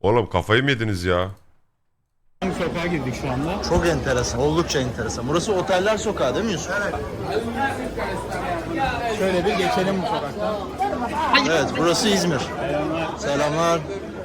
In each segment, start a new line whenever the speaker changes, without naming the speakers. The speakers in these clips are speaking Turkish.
Oğlum kafayı mı yediniz ya?
Hangi sokağa girdik şu anda?
Çok enteresan, oldukça enteresan. Burası Oteller Sokağı değil mi Yusuf?
Şöyle bir geçelim bu sokaktan.
Evet, burası İzmir. Selamlar.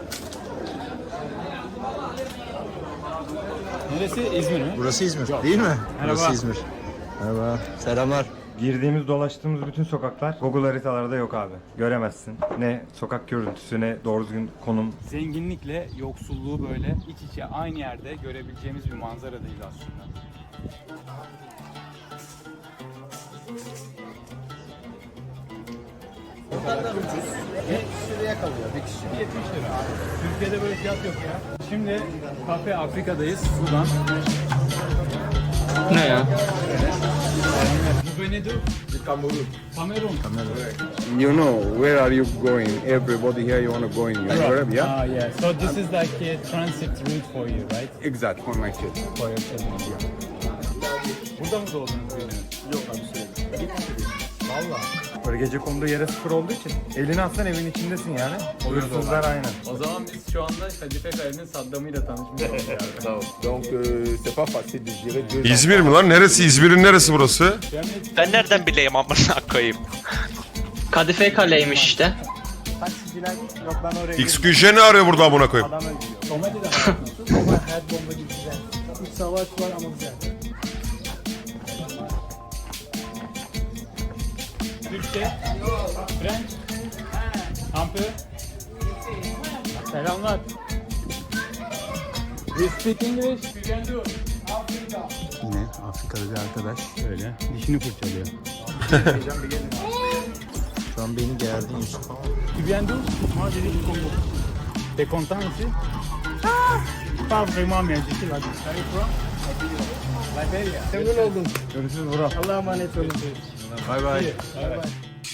Neresi? İzmir mi?
Burası İzmir değil mi? Burası İzmir. Merhaba. Selamlar.
Girdiğimiz, dolaştığımız bütün sokaklar Google haritalarda yok abi. Göremezsin. Ne sokak görüntüsü ne doğru düzgün konum.
Zenginlikle yoksulluğu böyle iç içe aynı yerde görebileceğimiz bir manzaradayız aslında. Oteller ucuz. Ve şuraya kalıyor bir kişi. 70 lira. Türkiye'de böyle fiyat yok ya. Şimdi Kafe Afrika'dayız. Sudan.
Ne ya?
Bu ne diyor? Kamerun. Kamerun.
You know where are you going? Everybody here you want to go in Europe, yeah?
Ah, yeah. So this is like a transit route for you, right?
Exact for my kid.
For your children. Burada mı doğdunuz büyüdünüz? Yok abi Valla.
Böyle gece konduğu yere sıfır olduğu için elini atsan evin içindesin yani. Hırsızlar aynen.
O zaman biz şu anda Kadife Kale'nin Saddam'ıyla tanışmış olduk.
Donc c'est pas facile de gérer deux
İzmir mi lan? Neresi? İzmir'in neresi burası?
Ben nereden bileyim amına koyayım? Kadife Kale'ymiş işte.
Taksiciler yok ben oraya
XQJ ne arıyor burada amına koyayım?
adam öldürüyor. Komedi de yapıyorsun ama hayat bomba gibi güzel. İç savaş var ama güzel. Türkçe, French, un peu. Selamlar. We speak English. We can do.
Yine Afrikalı bir arkadaş.
Öyle. Dişini fırçalıyor.
Şu an beni gerdin Yusuf.
Tu viens d'où? Moi, je viens du Congo. T'es content ici? Pas vraiment, mais je suis là. T'arrives from? Liberia. Memnun oldum.
Görüşürüz Vural.
Allah'a emanet olun.
Bay bay.
Bay bay.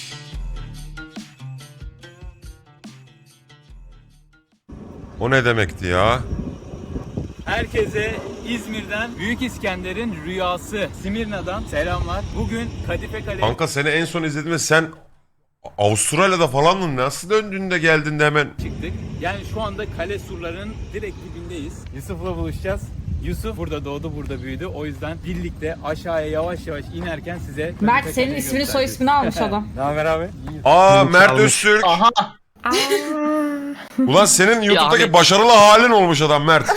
O ne demekti ya?
Herkese İzmir'den Büyük İskender'in rüyası Simirna'dan selamlar. Bugün Kadife Kale
Kanka seni en son izlediğimde sen Avustralya'da falandın. Nasıl döndün de geldin de hemen?
çıktık. Yani şu anda kale surlarının direkt dibindeyiz. Yusuf'la buluşacağız. Yusuf burada doğdu, burada büyüdü. O yüzden birlikte aşağıya yavaş yavaş inerken size Kadife
Mert senin
Kale'yi
ismini soy
göstereceğiz.
ismini almış adam.
Ne haber abi?
Aa Mert Öztürk.
Aha.
Ulan senin YouTube'daki
abi.
başarılı halin olmuş adam Mert.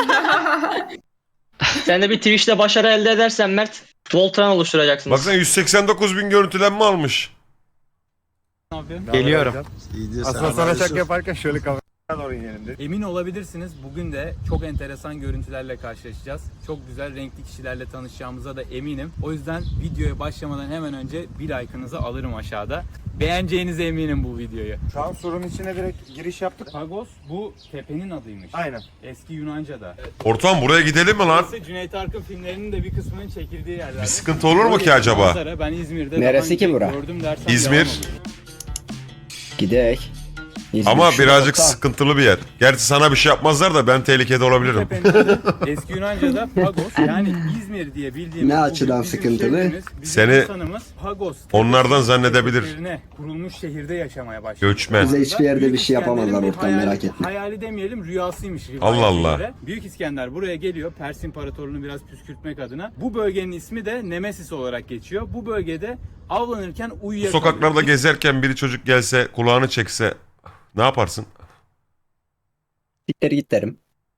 Sen de bir Twitch'te başarı elde edersen Mert, Voltran oluşturacaksınız.
Baksana 189 bin görüntülenme almış.
Ne yapıyorsun?
Geliyorum.
İyi diyor.
Aslında
Selamlar
sana
Yusuf.
şaka yaparken şöyle kameraya doğru inelim dedik.
Emin olabilirsiniz bugün de çok enteresan görüntülerle karşılaşacağız. Çok güzel renkli kişilerle tanışacağımıza da eminim. O yüzden videoya başlamadan hemen önce bir like'ınızı alırım aşağıda. Beğeneceğinize eminim bu videoyu.
Şu an surun içine direkt giriş yaptık.
Pagos bu tepenin adıymış.
Aynen.
Eski Yunanca'da.
Ortam buraya gidelim mi lan?
Burası Cüneyt Arkın filmlerinin de bir kısmının çekildiği yerler.
Bir sıkıntı olur mu ki acaba?
Manzara, ben İzmir'de
Neresi
daha
ki
önce
bura?
gördüm dersem
İzmir.
yalan olur.
Gidek. İzmir
Ama
şu
birazcık
nokta.
sıkıntılı bir yer. Gerçi sana bir şey yapmazlar da ben tehlikede olabilirim.
Tepenin adı eski Yunanca'da Pagos, yani İzmir diye bildiğimiz
Ne
bu
açıdan
bizim
sıkıntılı?
şehrimiz, bizim
Seni
insanımız Pagos
onlardan zannedebilir.
üzerine kurulmuş şehirde yaşamaya başladı.
Göçmen.
Bize hiçbir yerde bir şey yapamazlar
İskender'in bir
ortam, merak etme.
Hayali demeyelim, rüyasıymış rivayete
Allah Allah.
göre. Büyük İskender buraya geliyor Pers İmparatorluğunu biraz püskürtmek adına. Bu bölgenin ismi de Nemesis olarak geçiyor. Bu bölgede avlanırken
Bu
uyuyakalıyor.
sokaklarda gezerken biri çocuk gelse kulağını çekse ne yaparsın?
Siktir git derim.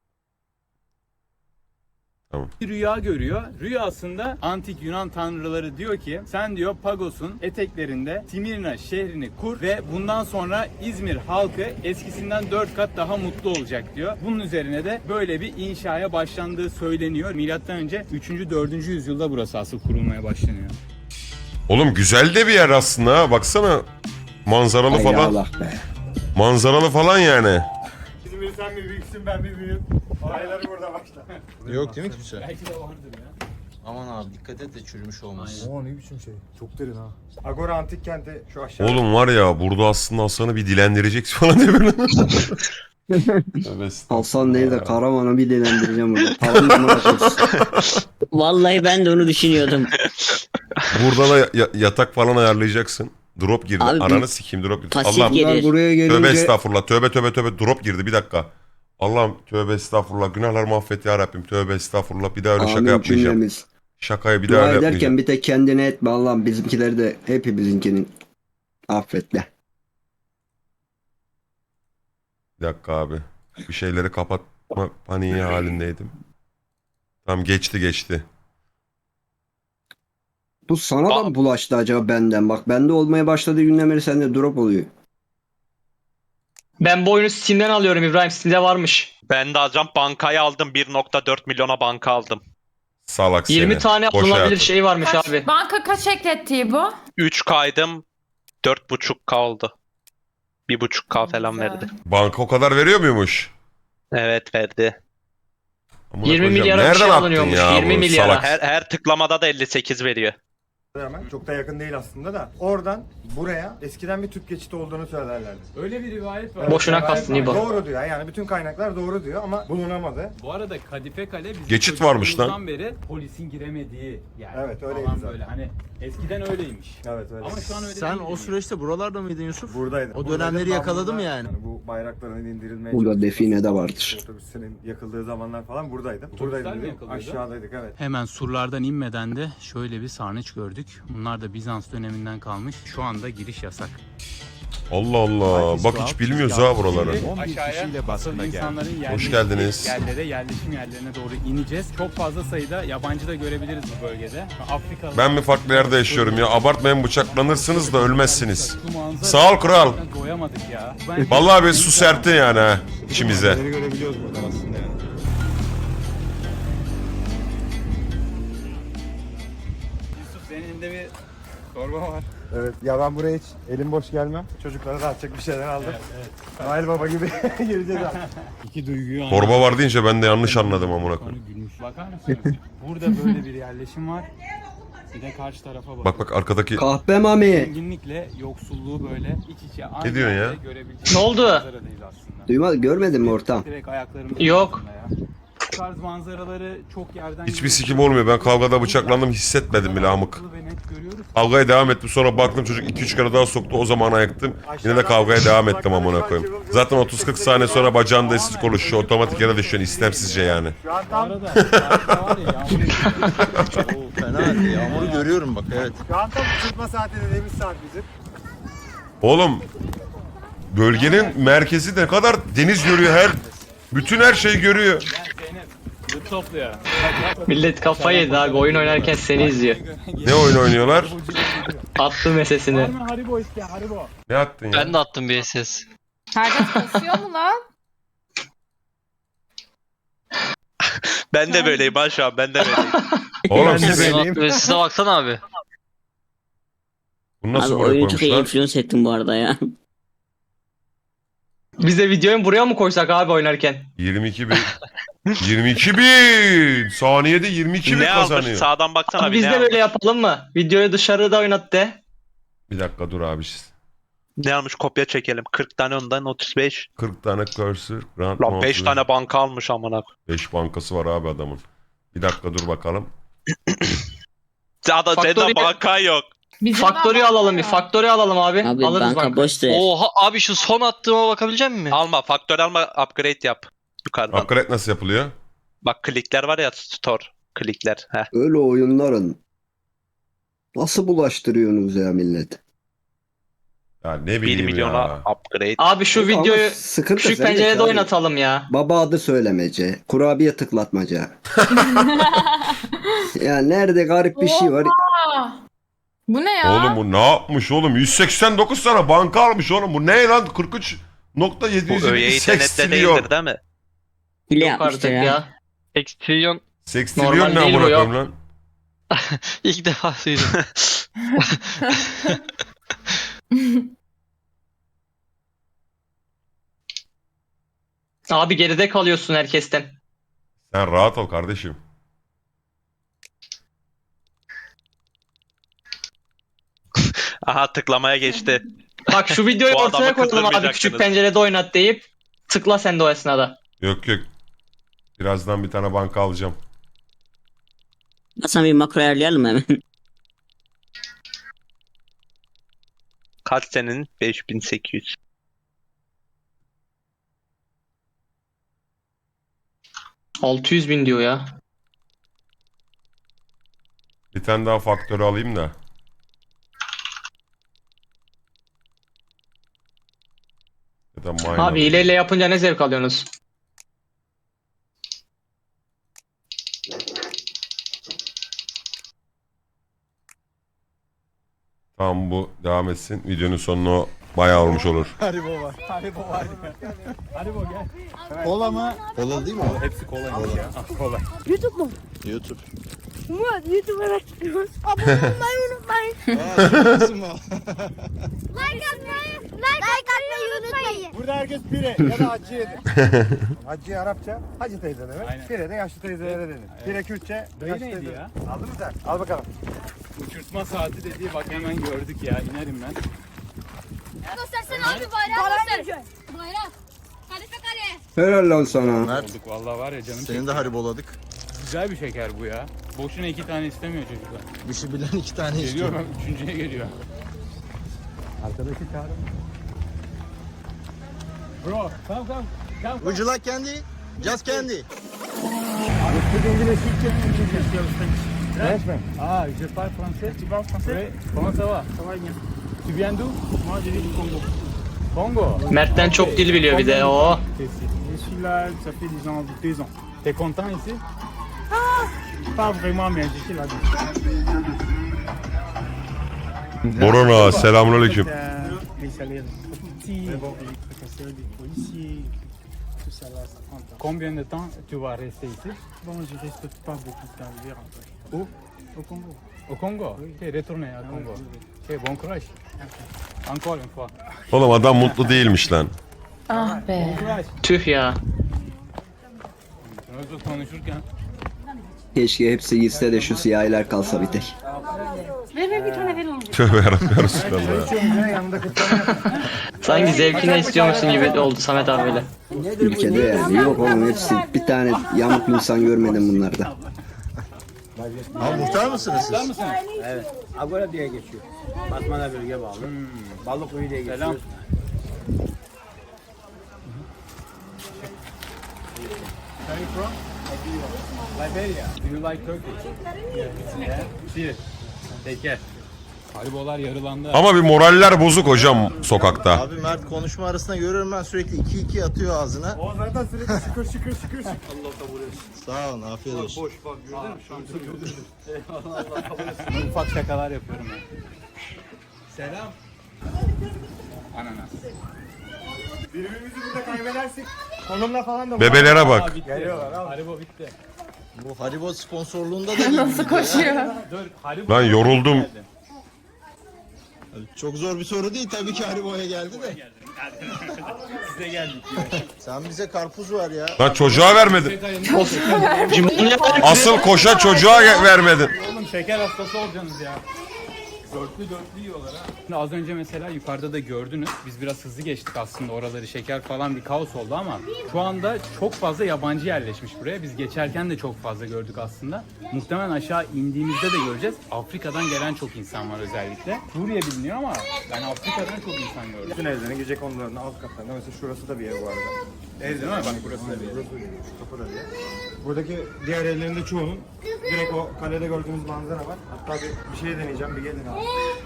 Bir rüya görüyor. Rüyasında antik Yunan tanrıları diyor ki sen diyor Pagos'un eteklerinde Simirna şehrini kur ve bundan sonra İzmir halkı eskisinden 4 kat daha mutlu olacak diyor. Bunun üzerine de böyle bir inşaya başlandığı söyleniyor. Milattan önce 3. 4. yüzyılda burası asıl kurulmaya başlanıyor.
Oğlum güzel de bir yer aslında ha. Baksana manzaralı
Ay
falan.
Allah be.
Manzaralı falan yani.
İzmir sen mi büyüksün ben mi büyüğüm? Olayları burada başla.
Yok değil mi kimse?
Belki de vardır ya.
Aman abi dikkat et de çürümüş olmasın.
Oo ne biçim şey. Çok derin ha. Agora Antik Kenti şu aşağı.
Oğlum var ya burada aslında Hasan'ı bir dilendireceksin falan diye böyle.
Alsan değil de Karaman'ı bir dilendireceğim burada. Paranı mı bırakırsın?
Vallahi ben de onu düşünüyordum.
Burada da yatak falan ayarlayacaksın. Drop girdi.
Abi,
Ananı sikeyim drop girdi.
pasif
Allah'ım
gelir.
Bunlar buraya
tövbe
gelince
estağfurullah. Tövbe tövbe tövbe drop girdi bir dakika. Allah'ım tövbe estağfurullah. Günahlarımı affet ya Rabbim. Tövbe estağfurullah. Bir daha öyle şaka
Amin
yapmayacağım.
cümlemiz.
Şakayı bir daha
Dua
öyle
ederken
yapmayacağım.
bir tek kendine etme Allah'ım, bizimkileri de hepimizinkinin affetle.
Bir dakika abi. Bir şeyleri kapatma paniği halindeydim. Tamam geçti.
Bu sana da mı bulaştı acaba benden? Bak bende olmaya başladığı günden beri sende drop oluyor.
Ben bu oyunu Steam'den alıyorum İbrahim. Steam'de varmış. Ben de alacağım. Bankayı aldım. 1.4 milyona banka aldım.
Salak seni.
20 tane
Boş
alınabilir
hayatım.
şey varmış abi.
Banka kaç eklettiği bu?
3 kaydım. 4.5K oldu. 1.5K falan
Güzel.
verdi.
Banka o kadar veriyor muymuş?
Evet verdi.
Amına
20
koyacağım.
milyara bir
Nereden
şey
attın
alınıyormuş.
ya
20
bu
milyara.
salak?
Her tıklamada da 58 veriyor.
Hemen çok da yakın değil aslında da. Oradan buraya eskiden bir tüp geçidi olduğunu söylerlerdi.
Öyle bir rivayet var.
Boşuna
Rivayet
kastın
var.
İbo.
Doğru diyor yani bütün kaynaklar doğru diyor ama bulunamadı.
Bu arada Kadife Kale bizim
Geçit varmış lan.
çocukluğumuzdan beri polisin giremediği yer.
Evet, öyleydi
Falan
zaten.
böyle. Hani eskiden öyleymiş.
Evet öyle.
Ama şu an öyle
Sen
değil
o süreçte buralarda mıydın Yusuf?
Buradaydı.
O dönemleri yakaladım yani.
Bu bayrakların indirilmeye
Burada
çalışılması,
define de vardır.
Otobüslerin yakıldığı zamanlar falan buradaydım.
Otobüsler
Buradaydım.
mi yakılıyordu?
Aşağıdaydık evet.
Hemen surlardan inmeden de şöyle bir sarnıç gördük. Bunlar da Bizans döneminden kalmış. Şu anda giriş yasak.
Allah Allah. Bak hiç bilmiyoruz ha buraları.
Aşağıya asıl insanların
Hoş geldiniz.
yerlere, yerleşim yerlerine doğru ineceğiz. Çok fazla sayıda yabancı da görebiliriz bu bölgede. Afrikalı.
Ben mi farklı yerde yaşıyorum ya? Abartmayın, bıçaklanırsınız da ölmezsiniz.
Şu manzara-
Sağ ol kral.
Doyamadık ya.
Vallahi bir su serpti yani ha içimize.
Görebiliyoruz burada aslında yani.
Yusuf senin elinde bir torba var.
Evet ya ben buraya hiç elim boş gelmem. Çocuklara da atacak bir şeyler aldım. Noel Baba gibi gireceğiz abi.
İki duyguyu
Torba var deyince ben de yanlış anladım amına koyayım.
Gülmüş. Bakar mısınız? Burada böyle bir yerleşim var. Bir de karşı tarafa
Bak arkadaki
Kahpe mami.
Zenginlikle yoksulluğu böyle iç içe aynı
diyorsun ya?
yerde görebileceğimiz
Ne oldu?
manzaradayız aslında.
Duymadın, görmedin mi ortam?
Direkt ayaklarımızın
Yok.
altında ya. Bu tarz manzaraları çok yerden
hiçbir sikim olmuyor. Ben kavgada bıçaklandım hissetmedim bile amık.
ve net görüyoruz.
Kavgaya devam ettim, sonra baktım çocuk 2-3 kere daha soktu, o zaman ayıktım. Yine de kavgaya devam ettim amına koyayım. Zaten 30-40 saniye sonra bacağında esir konuşuyor, otomatik yere düşüyorsun istemsizce yani.
Şu an
Bu
tam
arada harika var ya yağmur
O fena. Yağmuru görüyorum bak, evet.
uçurtma saati dediğimiz saat bizim.
Oğlum bölgenin merkezi ne kadar deniz görüyor, bütün her şeyi görüyor.
Zeynep zıt topluyor.
Millet kafayı yedi abi. Oyun oynarken seni izliyor.
Ne oyun oynuyorlar?
Attı mesesini.
Var mı Haribo iste Haribo?
Ne attın ya?
Ben de attım bir SS.
Herkes kasıyor mu lan?
Ben de böyleyim ha şu an. Ben de böyleyim.
Oğlum siz
Size baksana abi.
bunu nasıl
Abi
buraya
oyunu çok iyi
koymuşlar?
influence ettim bu arada ya.
Biz de videoyu buraya mı koysak abi oynarken?
22 bin! Saniyede 22 bin
Ne almış?
kazanıyor.
Sağdan baksana abi. Biz de böyle yapalım mı? Videoyu dışarıda oynat de.
Bir dakika dur abi.
Ne almış? Kopya çekelim. 40 tane ondan 35.
40 tane cursor. Grand
Lan 5
mouse,
tane banka almış amına.
5 bankası var abi adamın. Bir dakika dur bakalım.
Senin
Factory-
banka yok.
Bizim
Factory
de
alalım bir. Factory alalım abi.
Abi
Alırız
banka
banka.
boş ver.
Oha abi şu son attığıma bakabilecek misin?
Alma. Faktör alma. Upgrade yap. Yukarıdan.
Upgrade nasıl yapılıyor?
Bak klikler var ya store. Klikler. Heh.
Öyle oyunların nasıl bulaştırıyorsunuz ya millet?
Ya ne
1
bileyim
milyona
ya.
upgrade.
Abi şu
Ama
videoyu
sıkıntı
küçük
sende
pencerede
ki abi.
oynatalım ya.
Baba adı söylemece, kurabiye tıklatmaca. Ya nerede garip bir şey var.
Aa, bu ne ya?
Oğlum bu ne yapmış oğlum? 189 tane banka almış oğlum. Bu ne lan? 43.700
Bu öyle internette değildir değil mi?
Hile
Yok
yapmıştır
artık
ya.
ya. Extrillion
Sextillion
Normal
ne
değil
amına
bu, yok.
koyayım lan?
ilk defa duydum. Abi geride kalıyorsun herkesten.
Sen rahat ol kardeşim.
Aha tıklamaya geçti.
Bak şu videoyu
Bu adamı
ortaya koyalım abi
kızdırmayacaksınız.
küçük pencerede oynat deyip tıkla sen de o esnada.
Yok yok. Birazdan bir tane banka alacağım.
Hasan bir makro ayarlayalım hemen.
Kaç senin? 5800.
600.000 diyor ya.
Bir tane daha faktörü alayım da. Ya da mine
Abi
alayım.
hileyle yapınca ne zevk alıyorsunuz?
Tamam, bu devam etsin. Videonun sonuna o bayağı olmuş olur.
Haribo var. Haribo var. Haribo gel. Kola mı?
Kola değil mi?
Hepsi kolaymış ya. Ah, kola.
YouTube mu?
YouTube.
Murat YouTube'a çıkıyoruz. Abone olmayı unutmayın. Like atmayı unutmayın.
Burada herkes pire ya da hacı yedi. Hacı Arapça, hacı teyze demek.
Aynen.
Pire de yaşlı teyzelere denir. Pire Kürtçe,
Dayı
yaşlı
neydi
teyze.
ya?
Aldın mı sen? Al bakalım.
Uçurtma saati dediği bak hemen gördük ya. İnerim ben.
Göstersene abi bayrağı göster. Bayrak. Kalife kale.
Helal lan sana.
Mert,
Olduk vallahi var ya canım.
seni de hariboladık.
Güzel bir şeker bu ya. Boşuna 2 tane istemiyor çocuklar.
İşi bilen 2 tane
Geliyor
istiyor.
ben üçüncüye geliyor.
Arkadaşı çağırın.
Bro, come.
Would you like candy? Just candy.
Ah, je parle français. Tu parles français? Oui. Comment ça va? Ça va bien. Tu viens d'où? Moi, je viens du Congo. Congo?
Mert'ten çok dil biliyor bir de o.
Je suis là, ça fait 2 ans. T'es content ici? Pas vraiment, mais je suis là.
Borona, selamünaleyküm.
Les salaires petits, les professeurs, les policiers, tout ça là, ça prend. Combien de temps tu vas rester ici? Bon, je reste pas beaucoup de temps, je vais rentrer. Où? Au Congo. Au Congo? Oui. Retourner au Congo. Bon courage. Encore une fois.
Oğlum adam mutlu değilmiş lan.
Ah be.
Bon courage.
Tüh ya.
Özür konuşurken.
Keşke hepsi gitse de şu siyahiler kalsa bir tek.
Tövbe yarabbim, Resulallah ya.
Yanında kıtlama yap.
Sanki zevkine istiyormuşsun gibi oldu Samet abiyle.
Ülkede yani. Yok oğlum hepsi. Bir tane yamuk insan görmedim bunlarda.
Ha, muhtar mısınız siz?
Evet. Agora diye geçiyor. Batman'a bölge bağlı. Balıkkuyu diye geçiyor.
Selam. Where are you from? Liberia. Do you like Turkish? Yeah. See. Take care. Haribolar yarılandı.
Ama bir moraller bozuk hocam sokakta.
Abi Mert konuşma arasında görüyorum ben sürekli 2-2 atıyor ağzına.
O zaten sürekli şıkır.
Sağ olun, afiyet olsun.
Boş bak gördün mü?
Ufak şakalar yapıyorum ben. Selam. Ananas.
Birbirimizi burada kaybedersek konumla falan da
Bebelere bak.
Bitti.
Geliyorlar abi.
Haribo bitti.
Bu Haribo sponsorluğunda da değil.
Nasıl koşuyor?
Dur. Haribo.
Lan yoruldum.
Çok zor bir soru değil tabii ki Haribo'ya geldi de.
Size geldik.
Sen bize karpuz ver ya.
Lan çocuğa vermedin.
Cümle
Asıl koşa çocuğa vermedin.
Oğlum şeker hastası olacaksınız ya. Dörtlü yiyorlar ha. Şimdi az önce mesela yukarıda da gördünüz. Biz biraz hızlı geçtik aslında oraları. Şeker falan bir kaos oldu ama şu anda çok fazla yabancı yerleşmiş buraya. Biz geçerken de çok fazla gördük aslında. Muhtemelen aşağı indiğimizde de göreceğiz. Afrika'dan gelen çok insan var özellikle. Suriye biliniyor ama ben Afrika'dan çok insan gördüm.
Bütün evlerin gece konularında alt katlarında mesela şurası da bir ev bu arada.
Ev değil mi? Bak burası da bir ev.
Burası da bir ev, şu kapı da bir ev. Buradaki diğer evlerin de çoğunun direkt o kalede gördüğümüz manzara var. Hatta bir şey deneyeceğim, bir gelin abi.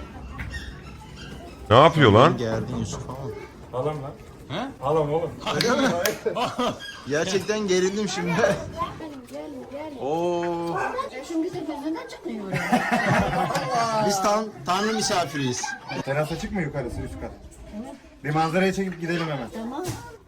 Ne yapıyor lan?
Geldin Yusuf ama.
Alam lan.
He?
Alam oğlum.
Gerçekten gerildim şimdi. Oo.
Şimdi de gözünden çıkmıyor.
Biz tanrı misafiriyiz.
Terasa çıkma yukarısı üst kat. Bir manzaraya çekip gidelim hemen.
Tamam.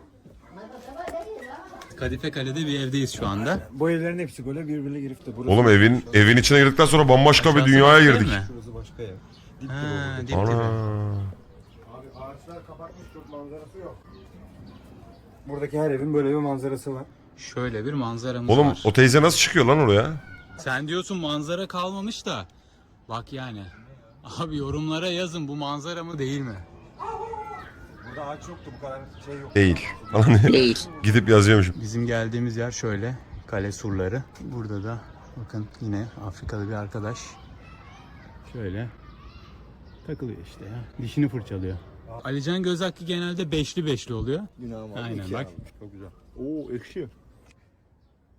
Kadife Kale'de bir evdeyiz şu anda.
Bu evlerin hepsi böyle birbirine girip de burası.
Oğlum evin içine girdikten sonra bambaşka bir dünyaya girdik.
Burası başka ev.
Ha, dip
Ana.
dibi.
Abi ağaçlar kapatmış, çok manzarası yok. Buradaki her evin böyle bir manzarası var.
Şöyle bir manzaramız
Oğlum
var.
o teyze nasıl çıkıyor lan oraya?
Sen diyorsun manzara kalmamış da. Bak yani. Abi yorumlara yazın bu manzara mı değil mi?
Burada ağaç yoktu, bu kadar şey yok.
Değil. Falan diye.
Değil.
Gidip yazıyormuşum.
Bizim geldiğimiz yer şöyle. Kale surları. Burada da bakın yine Afrikalı bir arkadaş. Şöyle takılıyor işte ya. Dişini fırçalıyor. Alican göz hakkı genelde beşli oluyor.
Günahım abi.
Aynen
iki
bak.
almış.
Çok güzel. Oo ekşi.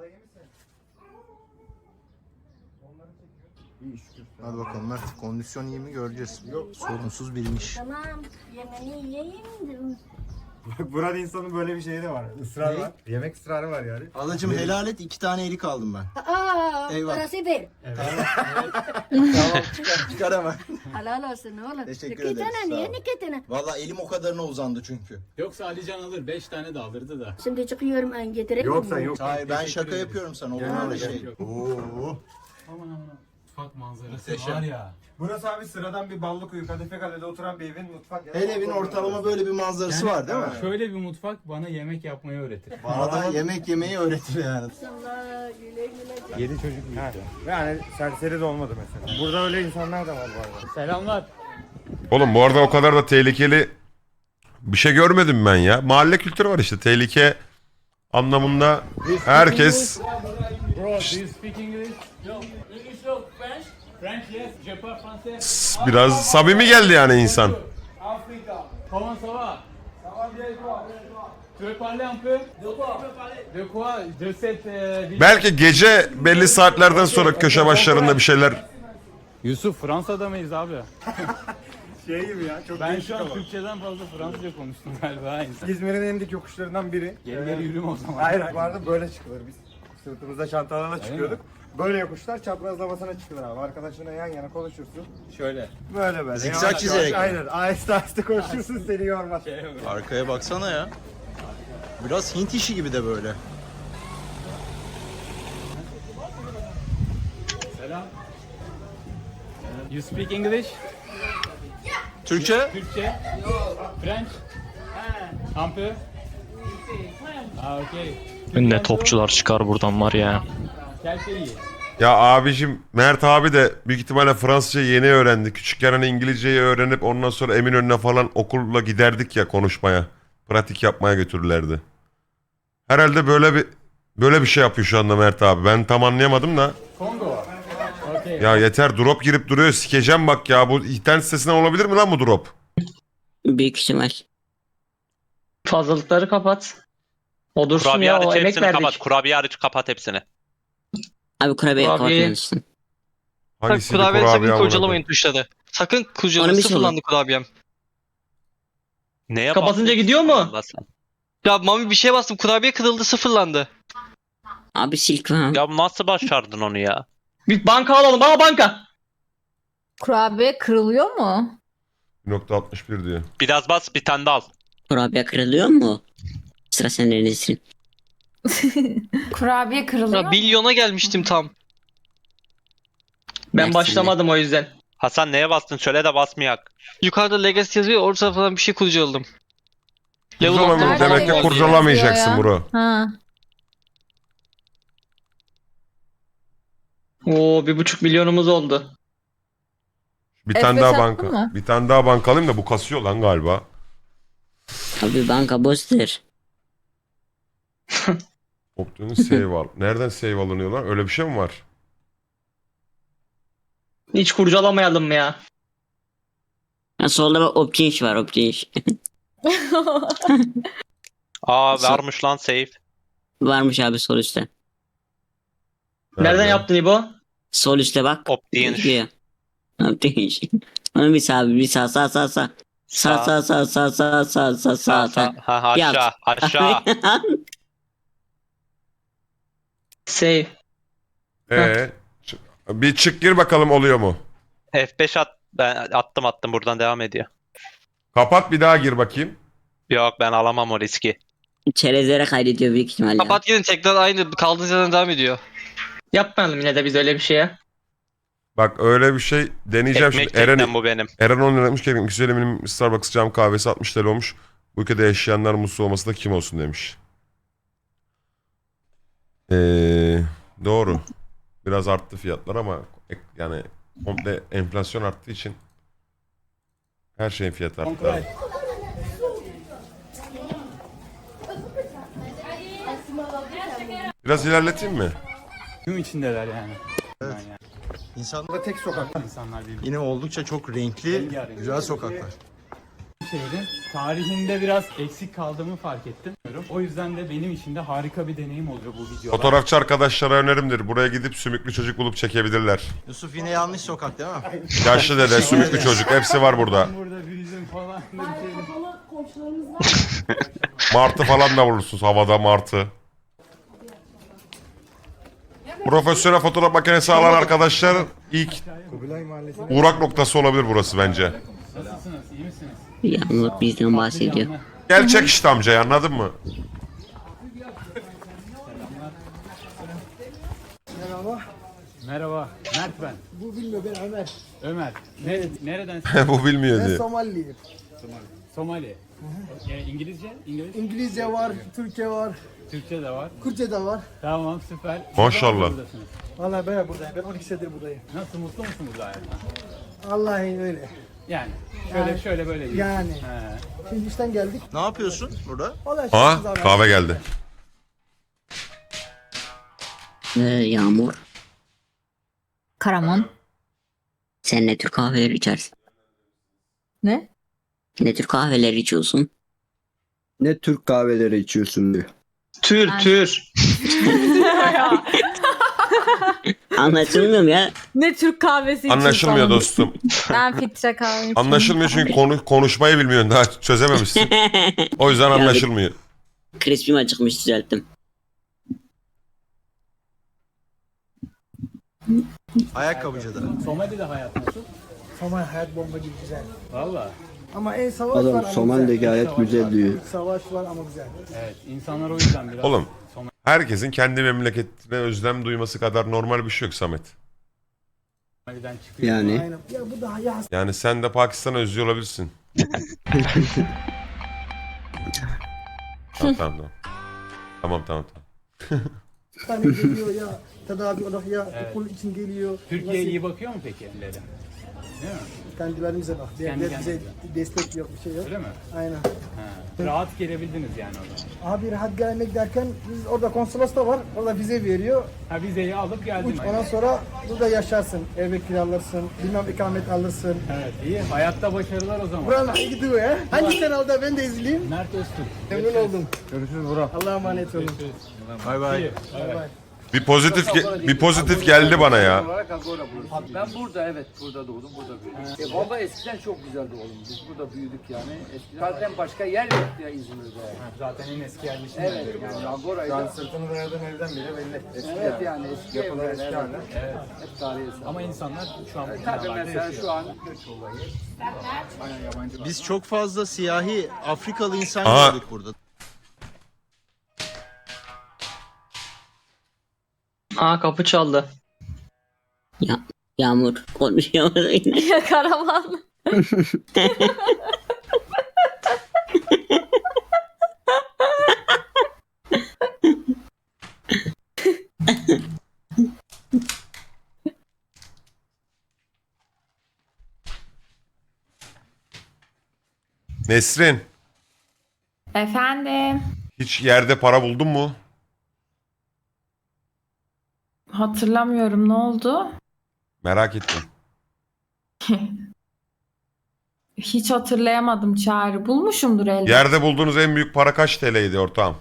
Hadi bakalım Mert. Kondisyon iyi mi göreceğiz. Sorunsuz bilmiş.
Tamam. Yemeğini yiyeyim.
Burada insanın böyle bir şeyi de var. Israr var. Yemek ısrarı var yani.
Alacım helal et, 2 tane erik aldım ben.
Aa,
Eyvah.
parası ver.
Tamam çıkar hemen.
Helal olsun oğlum.
Teşekkür
İki
ederiz,
tane
sağ
niye
ol.
iki tane?
Valla elim o kadarına uzandı çünkü.
Yoksa Alican alır 5 tane de alırdı da.
Şimdi çıkıyorum ben getireyim mi?
Yok sen yok.
Hayır ben şaka yapıyorum sana. Olur mu öyle şey?
Yok.
Oo.
Aman aman. Mutfak manzarası
Muhteşem.
var ya.
Burası abi sıradan bir Ballıkuyu Kadife Kale'de oturan bir evin mutfak.
Her evin ortalama böyle bir manzarası var değil mi?
Şöyle bir mutfak bana yemek yapmayı öğretir.
Bana da yemek yemeyi öğretir yani.
Allah güle güle.
7 çocuk büyüttü.
Yani serseri de olmadı mesela. Burada öyle insanlar da var bu arada.
Selamlar.
Oğlum bu arada o kadar da tehlikeli bir şey görmedim ben ya. Mahalle kültürü var işte. Tehlike anlamında herkes...
Bro, do you speak English? No. English no. French? French yes. Je parle français.
Biraz samimi geldi yani insan.
Africa. Comment ça va? Ça va bien et toi? Tu veux parler un peu? De quoi? De quoi? De cette ville.
Belki gece belli saatlerden sonra köşe başlarında bir şeyler...
Yusuf, Fransa'da mıyız abi?
Şey gibi ya. Çok
Ben
değişik
şu an
ama.
Türkçeden fazla Fransızca konuştum galiba.
İzmir'in en dik yokuşlarından biri.
Geri geri yürüme o zaman.
Hayır, bu arada böyle çıkılır biz. Sırtımızda çantalarla çıkıyorduk. Böyle yokuşlar çaprazlamasına çıkılır abi. Arkadaşına yan yana konuşursun.
Şöyle.
Böyle.
Zikzak
Yavaş
çizerek
yavaş,
mi?
Aynen. Aheste aheste konuşursun seni yormaz.
Arkaya baksana ya. Biraz Hint işi gibi de böyle.
Selam. You speak English?
Türkçe?
Türkçe? French? Un peu? Ah, okay.
Ne topçular çıkar buradan var ya.
Quel pays?
Ya abicim Mert abi de büyük ihtimalle Fransızca yeni öğrendi. Küçükken hani İngilizceyi öğrenip ondan sonra Eminönü'ne falan okulla giderdik ya konuşmaya. Pratik yapmaya götürürlerdi. Herhalde böyle bir şey yapıyor şu anda Mert abi. Ben tam anlayamadım da.
Kongo. Okay.
Ya yeter drop girip duruyor. Sikeceğim bak ya. Bu internet sitesinden olabilir mi lan bu drop?
Büyük ihtimal.
Fazlalıkları kapat. O dursun
Kurabiye
ya, o
hariç
emek
hepsini
verdik.
kapat. Kurabiye hariç kapat hepsini.
Abi kurabiye
Kurabiye-
kapatmamışsın.
Hangisiydi
Kurabiye sakın
kurabiye amına
kurcalamayın
koyayım?
tuşları. Sakın
Onu
kurcalamayın.
bir şey
Sıfırlandı kurabiyem.
Neye
Kapatınca
bastın?
gidiyor mu?
Allah sen.
Ya Mami bir şeye bastım. Kurabiye kırıldı, sıfırlandı.
Abi silk var.
Ya nasıl başardın onu ya?
Bir banka alalım. Bana banka.
Kurabiye kırılıyor mu?
1.61 diyor.
Biraz bas bir tane de al.
Kurabiye kırılıyor mu? Sıra sende Nesrin.
Kurabiye kırılıyor
Ya
mu?
milyona gelmiştim tam. Ben
Mersin'de.
başlamadım o yüzden.
Hasan neye bastın? Söyle de basmayak.
Yukarıda Legacy yazıyor. Orada falan bir şey kurcaladım. Level
Kurcalama,
atladım.
demek ki
Nerede
kurcalamayacaksın
yazıyor ya?
bro.
Ha.
Oo 1,5 milyonumuz oldu.
Bir tane daha
F5
banka.
attın mı?
Bir tane daha banka alayım da bu kasıyor lan galiba.
Abi banka boştur.
Optimus save al. Nereden save alınıyor lan? Öyle bir şey mi var?
Hiç kurcalamayalım mı ya?
Ha, solda bak option var option.
Aa varmış lan save.
Varmış abi sol üstte.
Nereden
Nerede?
yaptın İbo?
Sol üstte bak.
Option.
Gidiyor. Option. Onu bir sağ bir sağ. Sağ. Sağ.
Ha aşağı
Yap.
aşağı.
Save.
Bir çık gir bakalım oluyor mu?
F5 at. Ben attım buradan devam ediyor.
Kapat bir daha gir bakayım.
Yok ben alamam o riski.
Çerezlere kaydediyor büyük ihtimalle.
Kapat gidin tekrar aynı kaldığınız yerden devam ediyor. Yapmayalım yine de biz öyle bir şeye.
Bak öyle bir şey deneyeceğim
Ekmek
şimdi.
teknem bu benim.
Eren 10 lira demiş ki güzel eminim Starbucks cam kahvesi 60 TL olmuş. Bu ülkede yaşayanlar mutsuz olması da kim olsun demiş. Doğru. Biraz arttı fiyatlar ama yani komple enflasyon arttığı için her şeyin fiyatı arttı. abi. Biraz ilerleteyim mi?
Gün içindeler yani.
Evet.
Yani.
İnsan
Burada tek sokak.
İnsanlar birbirini.
yine oldukça çok renkli,
Rengarenk.
güzel sokaklar.
şehrin tarihinde biraz eksik kaldığımı fark ettim. O yüzden de benim için de harika bir deneyim oluyor bu videolar.
Fotoğrafçı arkadaşlara önerimdir. Buraya gidip sümüklü çocuk bulup çekebilirler.
Yusuf yine yanlış sokak değil mi?
Yaşlı dede, sümüklü çocuk hepsi var burada.
Burada büyüdüm falan. da bir şey.
Komşularımız var.
Martı falan da vurursunuz havada martı. Profesyonel fotoğraf makinesi alan arkadaşlar ilk uğrak noktası olabilir burası bence.
Nasılsınız? İyi misiniz?
Yağmur bizden bahsediyor.
Gerçek işte amcayı anladın mı?
Merhaba. Mert ben.
Bu bilmiyor ben Ömer.
Ömer. Nereden?
Bu bilmiyor
Ben
diye.
Somaliliyim.
Somali. İngilizce?
İngilizce var, Türkçe var,
Türkçe de var.
Kürtçe de var.
Tamam süper.
Maşallah.
Buradasınız.
Vallahi ben buradayım. Ben 12 senedir buradayım.
Nasıl mutlu musun burada hayattan?
Vallahi öyle.
Yani şöyle böyle değil.
Yani.
He.
Şimdi işten geldik.
Ne yapıyorsun burada?
Vallahi
Ha
şansımız abi.
kahve geldi.
Yağmur,
Karaman.
sen ne tür kahveler içersin?
Ne?
Ne tür kahveler içiyorsun?
Ne Türk kahveleri içiyorsun diyor.
Tür.
Anlatılmıyor mu ya?
Ne Türk kahvesi içiyorsun?
Anlaşılmıyor dostum.
Ben filtre kahve içiyorum.
Anlaşılmıyor çünkü konuşmayı bilmiyorsun daha çözememişsin. O yüzden anlaşılmıyor.
Crisp'im acıkmış, düzelttim.
Ayakkabıcıda.
Somali'de hayat nasıl?
Somali hayat bomba gibi güzel.
Valla.
Ama en savaş var
Adam
ama
Somali'de
güzel.
gayet güzel diyor.
Savaş var ama güzel.
Evet. İnsanlar o yüzden biraz.
Oğlum herkesin kendi memleketine özlem duyması kadar normal bir şey yok Samet.
Somali'den çıkıyor.
Yani
Aynen. Ya bu daha yaz.
Yani sen de Pakistan'ı özlüyor olabilirsin. Tamam. Tamam.
Tane geliyor ya. Tedavi olarak ya
Evet.
okul için geliyor.
Türkiye
Nasıl?
iyi bakıyor mu peki ellere? Değil mi?
Kendilerimize bak.
Kendi
Devlet bize
kendimize.
destek yok, bir şey yok.
Öyle mi?
Aynen.
Ha. Rahat gelebildiniz yani orada.
Abi rahat gelmek derken biz orada konsolos da var. Orada vize veriyor.
Ha vizeyi alıp geldin.
Ondan sonra burada yaşarsın. Ev kiralarsın. Bilmem ikamet alırsın.
Evet iyi. Hayatta başarılar o zaman.
Buranın hangi gidiyor ya? Hangi kanalda ben de izleyeyim.
Mert Öztürk.
Memnun oldum. Görüşürüz Burak. Allah'a emanet olun.
Bay bay.
Bay bay.
Bir pozitif geldi bana ya.
Ben burada burada doğdum, burada büyüdüm. Valla eskiden çok güzeldi oğlum. Biz burada büyüdük yani. Eskiden zaten başka yer yoktu ya İzmir'de.
Zaten en eski yerleşim.
Evet yani Agora'yla.
Sırtını dayadan evden bile belli. Eski
Evet yani eski
yapılar
evler.
eski
Evet.
hala.
Evet.
Hep tarihi eser.
Ama insanlar şu an bu
Tabii
binalarda
mesela
yaşıyor.
şu an
Biz çok fazla siyahi Afrikalı insan
Aha.
gördük burada.
Aa, kapı çaldı.
Yağmur konuşuyor yine.
Karaman.
Nesrin,
Efendim.
hiç yerde para buldun mu?
Hatırlamıyorum, ne oldu?
Merak ettim.
Hiç hatırlayamadım Çağrı. Bulmuşumdur elbette.
Yerde bulduğunuz en büyük para kaç TL'ydi ortağım?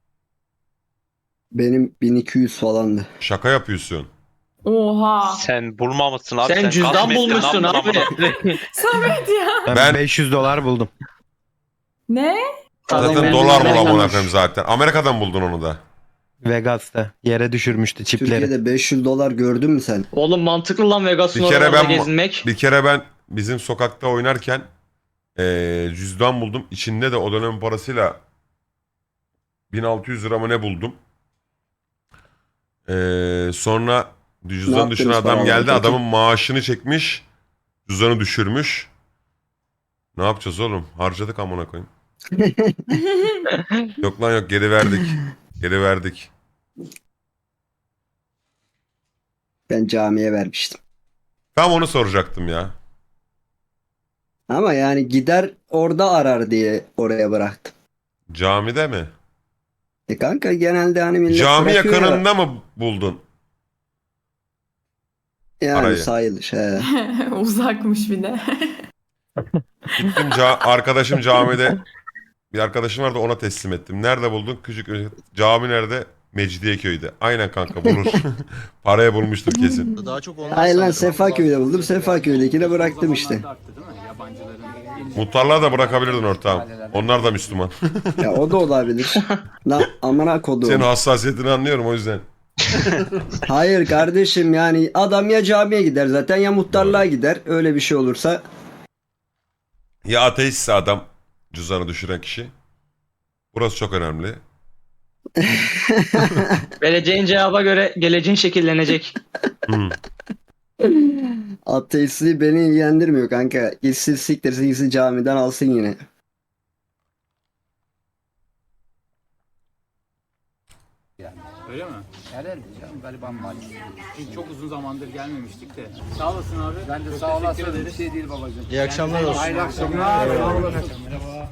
benim 1200 falandı.
Şaka yapıyorsun.
Oha.
Sen bulmamışsın abi.
Sen cüzdan
gasp ettin,
bulmuşsun
ne
abi.
yaptın
Samet ya.
Ben
500 dolar buldum.
Ne?
zaten
Ben
dolar
Amerika'dan-
bulamam efendim zaten. Amerika'dan buldun onu da.
Vegas'ta yere düşürmüştü çipleri.
Türkiye'de 500 dolar gördün mü sen?
Oğlum mantıklı lan Vegas'ın
Bir kere
oralarda
ben-
gezinmek.
Bir kere ben bizim sokakta oynarken cüzdan buldum. İçinde de o dönemin parasıyla 1600 lira mı ne buldum. Sonra cüzdanı
yaptınız
düşüren adam
paraları
geldi.
peki?
Adamın maaşını çekmiş. Cüzdanı düşürmüş. Ne yapacağız oğlum? Harcadık amına koyayım. Yok lan yok, geri verdik. Geri verdik.
Ben camiye vermiştim.
Tam onu soracaktım ya.
Ama yani gider orada arar diye oraya bıraktım.
Camide mi?
Kanka genelde hani millet
Cami
bırakıyor ya.
yakınında mı buldun?
Yani
Arayı.
sayılır. He.
Uzakmış bir de.
Gittim arkadaşım camide, bir arkadaşım vardı, ona teslim ettim. Nerede buldun? Küçük cami nerede? Mecidiyeköy'de. Aynen kanka, bulur. Paraya bulmuştur kesin.
Daha çok onlar
Hayır lan
sanırım.
Sefaköy'de buldum. Sefaköy'dekine bıraktım işte.
Zamanlarda arttı değil mi? Yabancıların
Muhtarlığa da bırakabilirdin ortağım. Onlar da Müslüman.
Ya o da olabilir. Lan amına kodum.
Senin hassasiyetini anlıyorum o yüzden.
Hayır kardeşim, yani adam ya camiye gider zaten ya muhtarlığa gider. Öyle bir şey olursa.
Ya ateistse adam, cüzdanı düşüren kişi. Burası çok önemli.
Vereceğin cevaba göre geleceğin şekillenecek.
Hmm.
Ateistliği beni ilgilendirmiyor kanka. Gitsin siktirsin, gitsin camiden alsın yine.
öyle mi?
Herhalde canım galiba maalesef.
Çünkü çok uzun zamandır gelmemiştik de. Sağ olasın abi.
Ben de
Çok
sağ
teşekkür
olasın. Bir
ederiz.
şey değil babacığım.
İyi akşamlar olsun.
Hayırlı akşamlar. Sağ olasın.
Merhaba.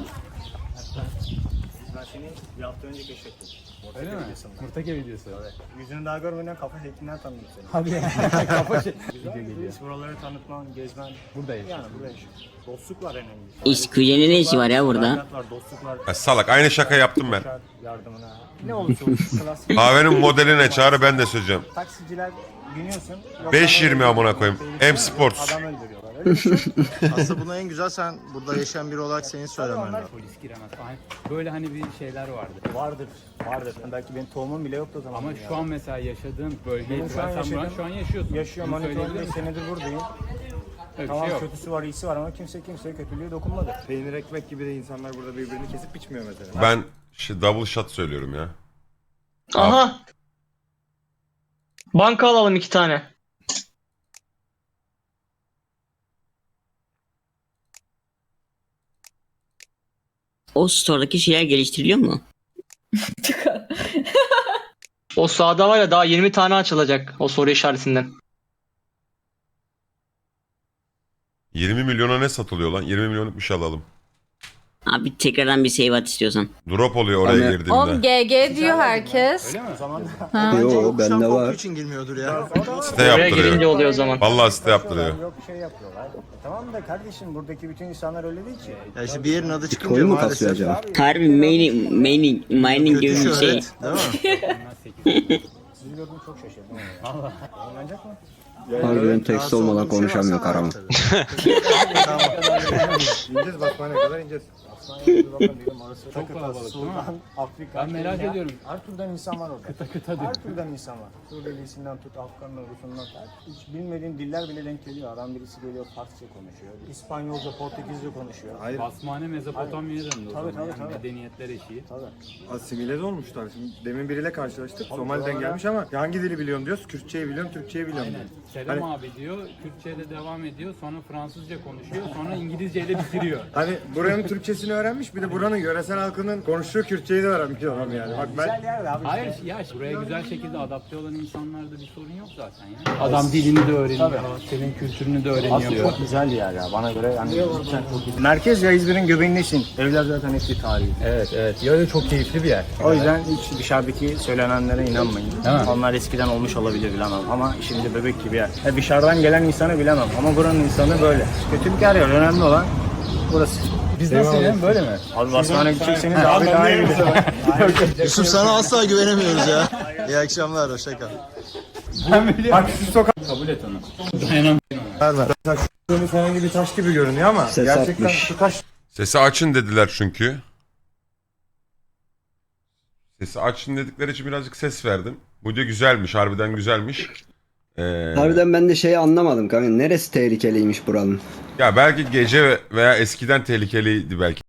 Ben seni bir hafta önce keşfettim.
Öyle mi? Murtake videosu.
Yüzünü daha görmeden kafa şeklinden tanıdım seni.
Hadi ya. Kafa şey.
Güzel bir buraları tanıtman, gezmen.
Buradayız.
Yani burada yaşıyorsun. Dostluk var önemli.
İş kuzenin ne işi var ya burada?
Hayat var, dostluk var.
Ya salak, aynı şaka yaptım ben.
Yardımına. Ne olursa olsun. Klasik.
Kahvenin modeline Çağrı, ben de söyleyeceğim.
Taksiciler biniyorsun.
5.20 amına koyayım. M Sports.
Adam öldürüyorlar. Öyle bir şey yok.
Aslında buna en güzel sen burada yaşayan biri olarak senin söylemen lazım.
Polis giremez falan. Böyle hani bir şeyler vardı.
Vardır. Vardır. Belki benim tohumum bile yoktu o zaman.
Ama şu an mesela yaşadığın bölgeyi
Benim şu an
sen
yaşadığım-
şu an yaşıyorsun.
yaşıyorum.
Bunu
Hani
söyleyebilir
15
misin?
senedir buradayım.
Öyle bir
Tamam,
şey yok.
kötüsü var, iyisi var ama kimseye kötülüğe dokunmadı. Peynir ekmek gibi de insanlar burada birbirini kesip biçmiyor mesela.
Ben double shot söylüyorum ya.
Aha. Banka alalım 2 tane.
O store'daki şeyler geliştiriliyor mu?
O sağda var ya, daha 20 tane açılacak o soru işaretinden.
20 milyona ne satılıyor lan? 20 milyonluk bir şey alalım.
Abi tekrardan bir save at istiyorsan.
Drop oluyor oraya
Ama-
girdiğimde.
Oğlum GG diyor herkes.
Öyle mi?
O zaman
Ha.
Bence
Yo,
yokuştan
bende
korktuğu
var.
için girmiyordur ya.
Site
Oraya
yaptırıyor.
girince oluyor o zaman.
Vallahi site yaptırıyor.
Yok şey yapıyorlar. Tamam da kardeşim buradaki bütün insanlar öyle değil ki.
Ya işte bir yerin adı çıkınca
Bitcoin mu kasıyor
maalesef
acaba?
Harbi mining gibi
kötü
bir şey.
şöhret, değil mi?
Sizi gördüm çok şaşırdım. Valla. Oynanacak mı?
Harbiden tekst olmadan konuşamıyor Karaman.
İneceğiz basmaya kadar ineceğiz. Aslan bakın dedim orası
Çok kalabalık, değil mi?
Sudan, Afrika.
Ben merak
Kenya.
ediyorum.
Her türden insan var orada.
Kıta
Her türden insan var. Suriyelisinden tut, Afgan'dan, Rusundan tut. Hiç bilmediğin diller bile denk geliyor. Adam birisi geliyor Farsça konuşuyor. İspanyolca, Portekizce konuşuyor. Hayır.
Basmane Mezopotamya'ya döndü o
Tabii,
zaman.
tabii,
Yani
tabii.
medeniyetler eşiği.
Tabii. Asimile de olmuşlar. Şimdi demin biriyle karşılaştık. Somali'den gelmiş ama hangi dili biliyorsun diyoruz. Kürtçeyi biliyorum, Türkçeyi biliyorum
Aynen.
diyor.
Selam
Hani-
abi diyor, Kürtçe'de devam ediyor, sonra Fransızca konuşuyor, sonra İngilizceyle bitiriyor.
Hani buranın Türkçesini öğrenmiş, bir de buranın yöresel halkının konuştuğu Kürtçeyi de öğrenmiş adam yani. Bak ben... Güzel yer abi.
Hayır ya, buraya güzel şekilde adapte olan insanlarda bir sorun yok zaten ya. Adam dilini de öğreniyor, senin kültürünü de öğreniyor.
Çok güzel bir yer ya bana göre yani cidden çok iyi. Merkez ya İzmir'in göbeğindesin. Evler zaten hepsi tarihi.
Evet, ya çok keyifli bir yer.
O yüzden hiç dışarıdaki söylenenlere inanmayın.
Değil mi?
Onlar eskiden olmuş olabilir bilemem ama şimdi bebek gibi yer. Dışarıdan gelen insanı bilemem ama buranın insanı böyle. Kötü bir yer ya, önemli olan burası.
Biz nasıl yani, böyle mi?
Abi basmana gidecekseniz abi daha iyi bilir.
Yusuf sana asla güvenemiyoruz ya. İyi akşamlar, hoşça kal.
Bak şu sokak.
Kabul et onu. Dayanam.
Herhangi bir taş gibi görünüyor ama
Ses
gerçekten
atmış.
şu taş
Sesi açın dediler çünkü. Sesi açın dedikleri için birazcık ses verdim. Bu da güzelmiş, harbiden güzelmiş.
Harbiden ben de şeyi anlamadım kanka. Neresi tehlikeliymiş buranın?
Ya belki gece veya eskiden tehlikeliydi belki.